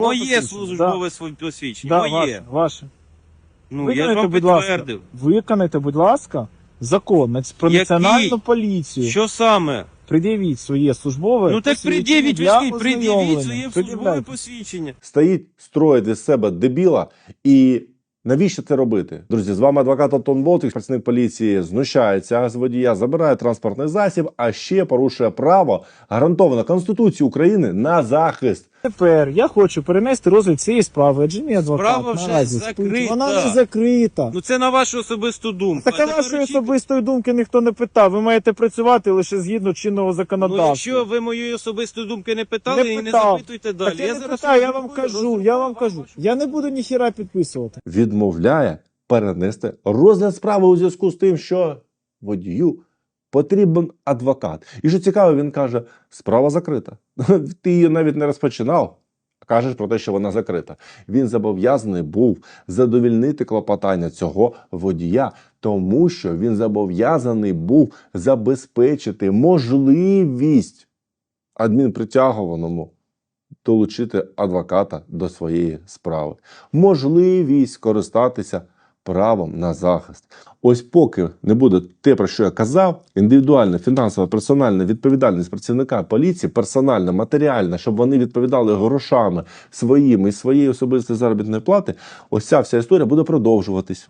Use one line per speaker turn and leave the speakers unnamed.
Моє службове посвідчення,
Да,
моє.
ваше.
Ну, я ж вам підтвердив.
Виконайте, будь ласка, закон про
Який?
національну поліцію.
Що саме?
Пред'явіть своє службове
Ну так
посвідчення
пред'явіть,
для
пред'явіть
ознайомлення.
своє службове
Пред'являйте.
посвідчення.
Стоїть, строїть із себе дебіла. І навіщо це робити? Друзі, з вами адвокат Антон Болтик, працівник поліції, знущається з водія, забирає транспортний засіб, а ще порушує право, гарантоване Конституцією України, на захист.
Тепер я хочу перенести розгляд цієї справи, адже мій адвокат
Справа вже
наразі спить.
закрита.
Вона не закрита.
Ну це на вашу особисту думку.
Так а
це
вашої
доручіть.
особистої думки ніхто не питав. Ви маєте працювати лише згідно чинного
Ну
законодавства.
якщо ви моєї особистої думки не питали, і не
питав.
запитуйте далі.
Так я не
зараз
питаю, я вам
роздрукую,
кажу. Я не буду ніхіра підписувати.
Відмовляє перенести розгляд справи у зв'язку з тим, що водію потрібен адвокат. І що цікаво, він каже, справа закрита. Ти її навіть не розпочинав. Кажеш про те, що вона закрита. Він зобов'язаний був задовільнити клопотання цього водія, тому що він зобов'язаний був забезпечити можливість адмінпритягуваному долучити адвоката до своєї справи. Можливість користатися правом на захист. Ось поки не буде те, про що я казав, індивідуальна, фінансова, персональна відповідальність працівника поліції, персональна, матеріальна, щоб вони відповідали грошами своїми і своєї особистої заробітної плати, ось ця вся історія буде продовжуватись.